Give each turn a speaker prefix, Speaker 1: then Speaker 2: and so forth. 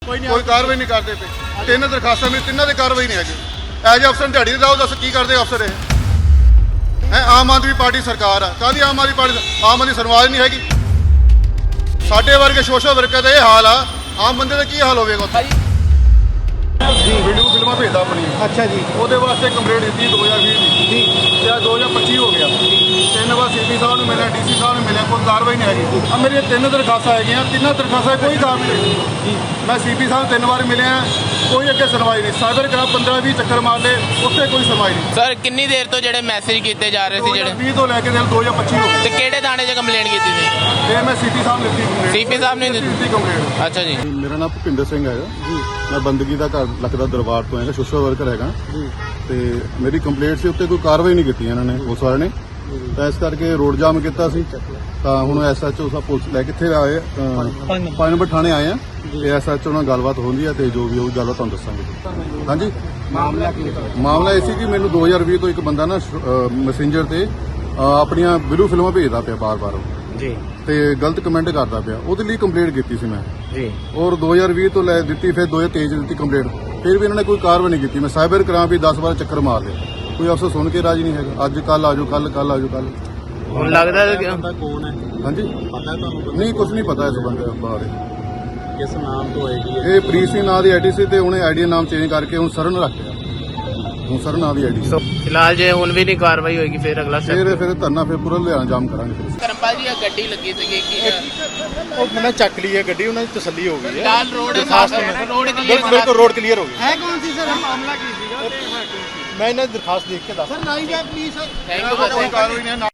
Speaker 1: कोई कार्रवाई नहीं करते पे। तीन दरखास्तां में तिन्हां दी कार्रवाई नहीं हैगी। एज अफसर दिहाड़ी लाओ, दस की करदे अफसर है। आम आदमी पार्टी सरकार है, काहदी आम आदमी पार्टी आम आदमी सुनवाई नहीं हैगी। साडे वर्गे सोशल वर्कर का यह हाल आ, आम बंदे का की हाल होवेगा उत्थे? वीडियो फिल्मां भेजदा अपनी। अच्छा जी। ਉਹਦੇ ਵਾਸਤੇ ਕੰਪਲੇਂਟ ਦਿੱਤੀ 2020 ਦੀ ਤੇ 2025 ਹੋ ਗਿਆ। ਤਿੰਨ ਵਾਰ ਸੀਪੀ ਸਾਹਿਬ ਨੂੰ ਮਿਲਿਆ, ਡੀਸੀ ਸਾਹਿਬ ਨੂੰ ਮਿਲਿਆ, ਕੋਈ ਕਾਰਵਾਈ ਨਹੀਂ ਹੈਗੀ। ਆ ਮੇਰੀਆਂ ਤਿੰਨ ਦਰਖਾਸਤਾਂ ਹੈਗੀਆਂ, ਤਿੰਨਾਂ ਦਰਖਾਸਤਾਂ ਕੋਈ ਕਾਰਵਾਈ ਨਹੀਂ। ਮੈਂ ਸੀਪੀ ਸਾਹਿਬ ਤਿੰਨ ਵਾਰ ਮਿਲਿਆ, ਕੋਈ ਅੱਗੇ ਸੁਣਵਾਈ ਨਹੀਂ। ਸਾਈਬਰ ਕ੍ਰਾਈਮ 15-20 ਚੱਕਰ ਮਾਰ ਲਏ, ਉੱਥੇ ਕੋਈ ਸੁਣਵਾਈ ਨਹੀਂ।
Speaker 2: ਸਰ ਕਿੰਨੀ ਦੇਰ ਤੋਂ ਜਿਹੜੇ ਮੈਸੇਜ ਕੀਤੇ ਜਾ ਰਹੇ ਸੀ ਜਿਹੜੇ
Speaker 1: 20 ਤੋਂ ਲੈ ਕੇ 2025 ਹੋ ਗਿਆ।
Speaker 2: ਤੇ ਕਿਹੜੇ ਥਾਣੇ 'ਚ ਕੰਪਲੇਂਟ ਕੀਤੀ ਸੀ?
Speaker 1: ਤੇ ਮੈਂ ਸੀਪੀ ਸਾਹਿਬ ਨੂੰ ਦਿੱਤੀ ਕੰਪਲੇਂਟ।
Speaker 2: ਸੀਪੀ ਸਾਹਿਬ ਨੇ ਦਿੱਤੀ
Speaker 1: ਕੰਪਲੇਂਟ।
Speaker 2: ਅੱਛਾ ਜੀ।
Speaker 1: ਮੇਰਾ ਨਾਮ ਭੁਪਿੰਦਰ ਸਿੰਘ ਹੈਗਾ ਜੀ। ਮੈਂ ਬੰਦਗੀ ਦਾ ਘਰ ਲੱਖਦਾ ਦਰਬਾਰ ਤੋਂ ਹੈਗਾ, ਸੋਸ਼ਲ ਵਰਕਰ ਹੈਗਾ ਜੀ। ਤੇ ਮੇਰੀ ਕੰਪਲੇਂਟ ਸੀ, ਉੱਤੇ ਕੋਈ ਕਾਰਵਾਈ ਨਹੀਂ ਕੀਤੀ ਇਹਨਾਂ ਨੇ, ਉਸ ਵਾਲੇ ਨੇ। ਤਾਂ ਇਸ ਕਰਕੇ ਰੋਡ ਜਾਮ ਕੀਤਾ ਸੀ। ਤਾਂ ਹੁਣ ਐਸਐਚਓ ਸਾਹਿਬ ਪੁਲਿਸ ਲੈ ਕਿੱਥੇ ਆਏ 5 ਨੰਬਰ ਥਾਣੇ ਆਏ ਆ ਤੇ ਐਸਐਚਓ ਨਾਲ ਗੱਲਬਾਤ ਹੁੰਦੀ ਆ ਤੇ ਜੋ ਵੀ ਹੋਊਗੀ ਗੱਲਬਾਤ ਤੁਹਾਨੂੰ ਦੱਸਾਂਗੇ। ਹਾਂਜੀ, ਮਾਮਲਾ ਇਹ ਸੀ ਕਿ ਮੈਨੂੰ 2020 ਤੋਂ ਇੱਕ ਬੰਦਾ ਨਾ ਮੈਸੇਂਜਰ ਤੇ ਆਪਣੀਆਂ ਵੀਡੀਓ ਫਿਲਮਾਂ ਭੇਜਦਾ ਪਿਆ ਬਾਰ-ਬਾਰ
Speaker 2: ਜੀ
Speaker 1: ਤੇ ਗਲਤ ਕਮੈਂਟ ਕਰਦਾ ਪਿਆ। ਉਹਦੇ ਲਈ ਕੰਪਲੇਂਟ ਕੀਤੀ ਸੀ ਮੈਂ
Speaker 2: ਜੀ,
Speaker 1: ਔਰ 2020 ਤੋਂ ਲੈ ਦਿੱਤੀ, ਫਿਰ 2023 ਦਿੱਤੀ ਕੰਪਲੇਂਟ। ਫਿਰ ਵੀ ਇਹਨਾਂ ਨੇ ਕੋਈ ਕਾਰਵਾਈ ਨਹੀਂ ਕੀਤੀ। ਮੈਂ ਸਾਈਬਰ ਕ੍ਰਾਈਮ ਵੀ 10 ਵਾਰ ਚੱਕਰ ਮਾਰ ਲਏ, ਕੋਈ ਅਫਸਰ ਸੁਣ ਕੇ ਰਾਜੀ ਨਹੀਂ ਹੈਗਾ। ਅੱਜ ਕੱਲ ਆਜੋ, ਕੱਲ ਆਜੋ, ਕੱਲ।
Speaker 2: ਹੁਣ ਲੱਗਦਾ
Speaker 3: ਬੰਦਾ ਕੌਣ ਹੈ?
Speaker 1: ਹਾਂਜੀ,
Speaker 3: ਪਤਾ ਤੁਹਾਨੂੰ?
Speaker 1: ਨਹੀਂ ਕੁਝ ਨਹੀਂ ਪਤਾ ਇਸ ਬੰਦੇ ਬਾਰੇ।
Speaker 3: ਕਿਸ ਨਾਮ ਤੋਂ ਆਈਡੀ ਹੈ?
Speaker 1: ਇਹ ਪ੍ਰੀਤ ਸਿੰਘ ਨਾਂ ਦੀ ਆਈਡੀ ਸੀ ਤੇ ਉਹਨੇ ਆਈਡੀ ਨਾਮ ਚੇਂਜ ਕਰਕੇ ਹੁਣ ਸਰਨ ਰੱਖਿਆ। ਹੁਣ ਸਰਨ ਨਾਂ ਦੀ ਆਈਡੀ।
Speaker 2: ਫਿਲਹਾਲ ਜੇ ਹੁਣ ਵੀ ਨਹੀਂ ਕਾਰਵਾਈ ਹੋਏਗੀ ਫਿਰ ਅਗਲਾ ਸਟੈਪ
Speaker 1: ਫਿਰ ਧਰਨਾ ਫਿਰ ਪੂਰਾ ਲਿਆਣਾ ਜਾਮ ਕਰਾਂਗੇ ਫਿਰ।
Speaker 2: ਕਰਮਪਾਲ ਜੀ, ਇਹ ਗੱਡੀ ਲੱਗੀ ਸੀਗੀ ਕਿ
Speaker 4: ਉਹ ਮੈਨੇ ਚੱਕ ਲਈ ਹੈ ਗੱਡੀ, ਉਹਨਾਂ ਦੀ ਤਸੱਲੀ ਹੋ ਗਈ ਹੈ।
Speaker 2: ਲਾਲ ਰੋਡ ਰੋਡ
Speaker 4: ਬਿਲਕੁਲ ਰੋਡ ਕਲੀਅਰ ਹੋ ਗਈ
Speaker 5: ਹੈ। ਕੌਣ ਸੀ ਸਰ? ਮਾਮਲਾ ਕੀ ਸੀਗਾ?
Speaker 4: ਮੈਂ ਇਹਨਾਂ ਦੀ ਦਰਖਾਸਤ ਦੇਖ ਕੇ ਦੱਸ
Speaker 5: ਸਰ ਨਾਈ ਜਾ ਪਲੀਜ਼ ਸਰ।
Speaker 2: Thank you.
Speaker 1: ਕੋਈ ਕਾਰਵਾਈ ਨਹੀਂ।